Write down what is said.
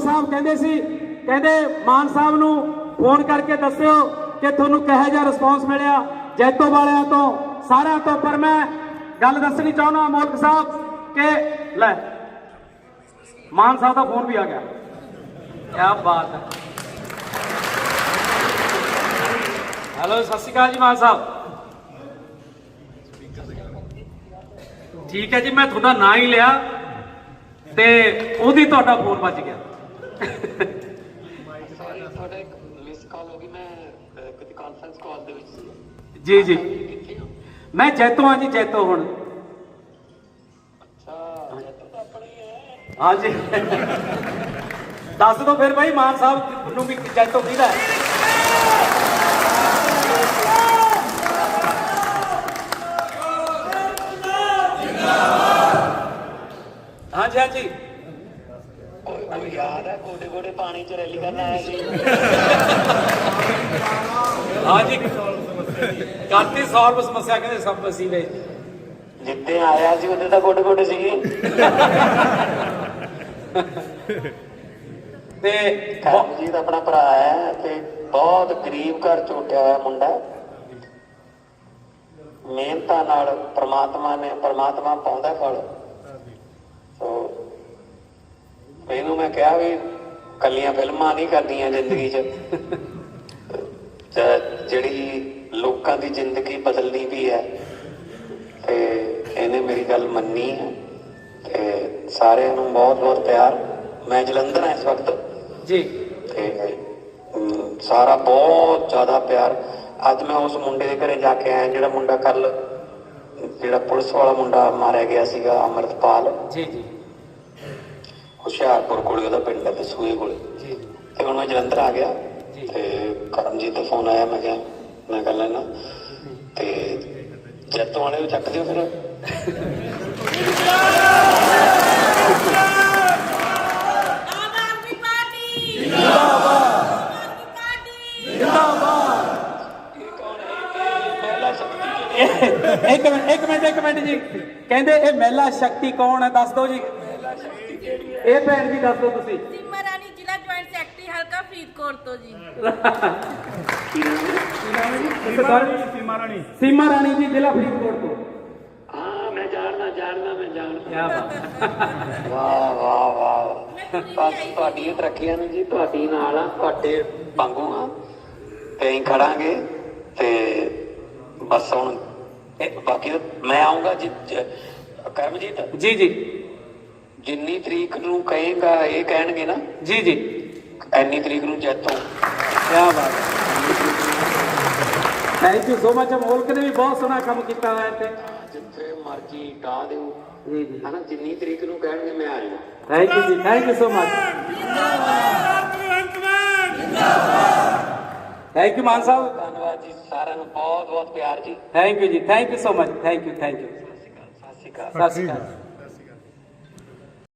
साहब कहते सी कहते मान साहब नूं फोन करके दस्सिओ कि तुहानूं किहो जिहा रिस्पॉन्स मिलिया जैतो वालियां तो सारियां तो। पर मैं गल दसनी चाहुंदा मोलक साहब कि लै मान साहब का फोन भी आ गया, क्या बात है। हेलो सत श्री अकाल जी मान साहब। ठीक है जी, मैं थोड़ा ना ही लिया ते ओदी तुहाडा फोन बज गया। जी जी मैं जैतो हाँ जी, जैतो हुण। हाँ जी दस दो फिर भाई मान साहब नूं भी जैतो किहदा है। हाँ जी हाँ जी याद है गोडे गोडे पानी च रैली करना आया सी। हाँ जी करती सॉल्व समस्या कहते सब वसीले जिद्दे आया सी उदे तां गोडे गोडे सी। ते करमजीत अपना भरा है ते बहुत गरीब घर च उठिया होया मुंडा, मिहनत नाल परमात्मा पाउंदा फल। मैनू मैं कहा भी कलियां फिल्मां नहीं करनियां जिंदगी च, जिहड़ी लोकां दी जिंदगी बदलनी भी है। ते इहने मेरी गल मन्नी है ते सारिआं नूं बहुत बहुत प्यार। मैं जलंधर हां इस वक्त जी ते सारा बहुत ज़्यादा प्यार। अज मैं उस मुंडे के घरे जाके आया जिहड़ा मुंडा कल जिहड़ा पुलिस वाला मुंडा मारिया गया सीगा अमृतपाल। जी जी हुशियारपुर कोल ओहदा पिंड है दसूए कोल। ते हुण मैं जलंधर आ गया ते करमजीत दा फोन आया, मैं कहा मैं कर लैना ते जैतों वाले चक दिओ फिर। एक मिनट जी कहते ये महिला शक्ति कौन है दस दो जी। ये भैन जी दस दो तुसी। सीमा रानी जिला ज्वाइंट सैकटरी हल्का फरीदकोट तो जी। सीमा रानी जी जिला फरीदकोट तो। हाँ मैं जानना क्या बात। वाह वाह वाह बस तुहाडी तरक्कियां ने जी, तुहाडी नाल आ, तुहाडे वांगू हाँ ते असीं खड़ांगे ते बस हुण बाकी मैं आऊँगा जी। करमजीत जी जी जिन्नी तरीक नूं कहेगा ये कहणगे ना जी जी इन्नी तरीक नूं जैतों। क्या बात है, thank you so much. Molak ने भी बहुत सोहना काम किया हुआ है। जिथे मर्जी टा दिओ जी जी है ना, जिन्नी तरीक नूं कहणगे मैं आ जाऊँ। थैंक यू जी, thank you so much. Thank you Mann Sahib, धन्यवाद जी साਰਿਆਂ ਨੂੰ बहुत बहुत प्यार जी। थैंक यू जी, thank you so much. Thank you सत श्री अकाल। सत श्री अकाल।